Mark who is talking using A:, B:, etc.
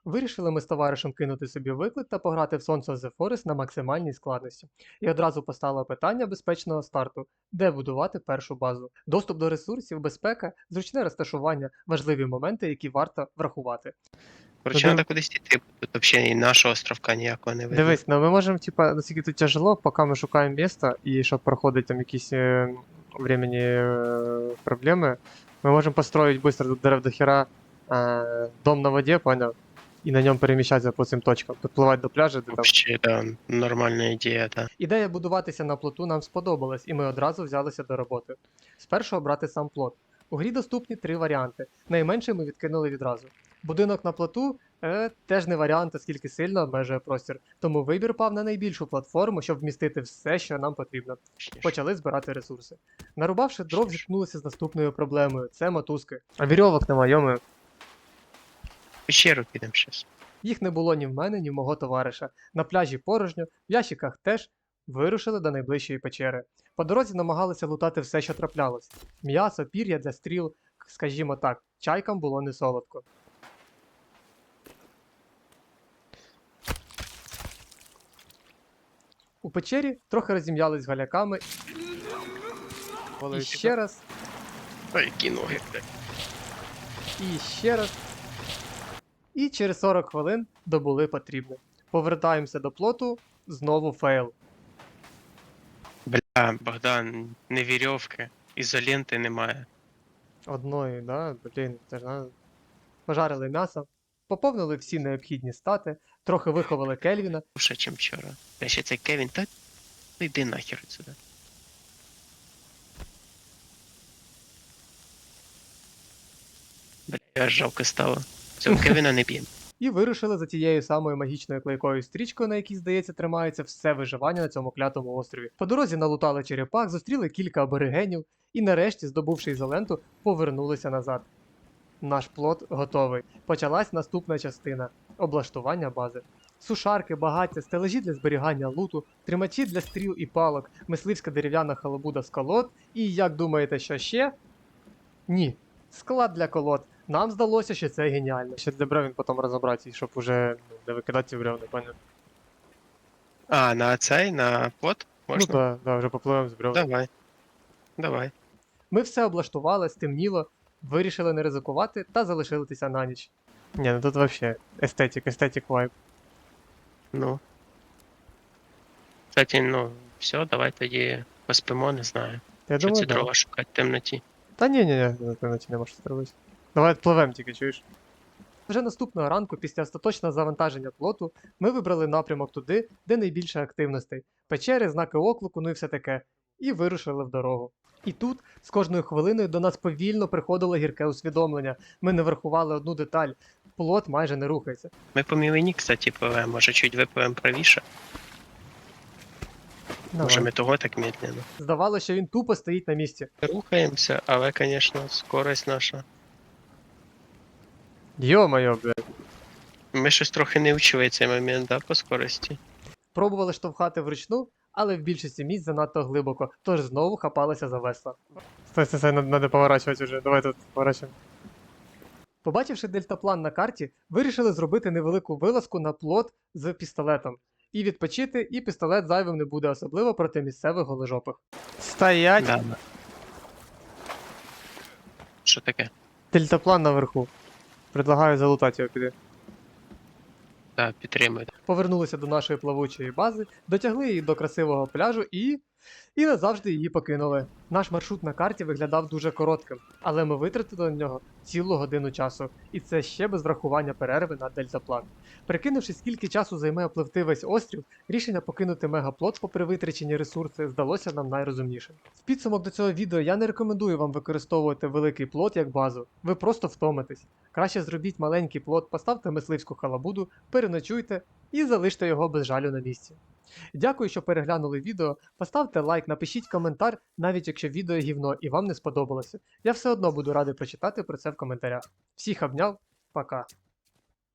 A: Вирішили ми з товаришем кинути собі виклик та пограти в Sons of the Forest на максимальній складності. І одразу постало питання безпечного старту, де будувати першу базу. Доступ до ресурсів, безпека, зручне розташування, важливі моменти, які варто врахувати.
B: Короче, треба кудись йти, тут взагалі і нашого островка ніякого не видно.
A: Дивись, ну ми можемо, типа, наскільки тут тяжело, поки ми шукаємо місце, і щоб проходить там якісь временні проблеми, ми можемо построїти швидко тут дерев до хера дом на воді, поняв? І на ньому переміщатися по цим точкам, підпливати до пляжу, де там.
B: Вообще, да, нормальна ідея, да.
A: Ідея будуватися на плоту нам сподобалась, і ми одразу взялися до роботи. Спершу обрати сам плот. У грі доступні 3 варіанти. Найменший ми відкинули відразу. Будинок на плоту теж не варіант, оскільки сильно обмежує простір. Тому вибір пав на найбільшу платформу, щоб вмістити все, що нам потрібно. Почали збирати ресурси. Нарубавши дров, зіткнулися з наступною проблемою це мотузки. А вірьовок немає, йоми.
B: Пещеру підемо щас.
A: Їх не було ні в мене, ні в мого товариша. На пляжі порожньо, в ящиках теж. Вирушили до найближчої печери. По дорозі намагалися лутати все, що траплялось. М'ясо, пір'я для стріл, скажімо так, чайкам було не солодко. У печері трохи розім'ялись галяками. І ще раз,
B: Ой, які ноги, блядь.
A: і ще раз. І через 40 хвилин добули потрібне. Повертаємося до плоту, знову фейл.
B: Бля, Богдан, не вірьовки, ізоленти немає.
A: Одної, да? Блін, це ж надо. Пожарили м'ясо, поповнили всі необхідні стати, трохи виховали Кельвіна.
B: Лучше, чим вчора. Я ще цей Кевін, та ну йди нахер сюди. Бля, аж жалко стало. Цього Кевіна не б'ємо.
A: І вирушили за тією самою магічною клейкою стрічкою, на якій, здається, тримається все виживання на цьому клятому острові. По дорозі налутали черепах, зустріли кілька аборигенів і нарешті, здобувши ізоленту, повернулися назад. Наш плот готовий. Почалась наступна частина облаштування бази. Сушарки, багаття, стележі для зберігання луту, тримачі для стріл і палок, мисливська дерев'яна халабуда з колод і, як думаєте, що ще? Ні. Склад для колод. Нам здалося, що це геніально. Ще для бревен потім розібрати, щоб уже не викидати ці бревни, пані.
B: А, на цей, на плот? Можна?
A: Ну так, да, вже попливемо з бревен.
B: Давай. Давай.
A: Ми все облаштували, стемніло, вирішили не ризикувати та залишилися на ніч. Ні, ну тут взагалі естетик вайб.
B: Ну. Кстати, ну, все, давай тоді поспимо, не знаю.
A: Я
B: Що
A: думаю,
B: ці
A: да.
B: дрова шукати в темноті.
A: Та ні, напевно, не можеш зробити. Давай пливем тільки, чуєш? Вже наступного ранку, після остаточного завантаження плоту, ми вибрали напрямок туди, де найбільше активностей. Печери, знаки оклику, ну і все таке. І вирушили в дорогу. І тут, з кожною хвилиною, до нас повільно приходило гірке усвідомлення. Ми не врахували одну деталь. Плот майже не рухається.
B: Ми по мілині, кстати, пливемо, може чуть випливемо правіше. Може ми того так медленно.
A: Здавалося, що він тупо стоїть на місці.
B: Рухаємося, але, звісно, скорость наша.
A: Йо-моє, блядь.
B: Ми щось трохи не вчили цей момент, да, по скорості.
A: Пробували штовхати вручну, але в більшості місць занадто глибоко, тож знову хапалися за весла. Стой, надо поворачувати вже, давай тут поворачуємо. Побачивши дельтаплан на карті, вирішили зробити невелику вилазку на плот з пістолетом. І відпочити, і пістолет зайвим не буде, особливо проти місцевих голожопих. Стоять!
B: Да. Що таке?
A: Дельтаплан наверху. Предлагаю залутати його піди.
B: Так, підтримую.
A: Повернулися до нашої плавучої бази, дотягли її до красивого пляжу і назавжди її покинули. Наш маршрут на карті виглядав дуже коротким, але ми витратили на нього цілу годину часу, і це ще без врахування перерви на дельтаплан. Прикинувши, скільки часу займе опливти весь острів, рішення покинути мегаплот попри витрачені ресурси здалося нам найрозумнішим. В підсумок до цього відео я не рекомендую вам використовувати великий плот як базу, ви просто втомитесь. Краще зробіть маленький плот, поставте мисливську халабуду, переночуйте і залиште його без жалю на місці. Дякую, що переглянули відео, поставте лайк, напишіть коментар, навіть якщо відео гівно і вам не сподобалося. Я все одно буду радий прочитати про це в коментарях. Всіх обняв, пока.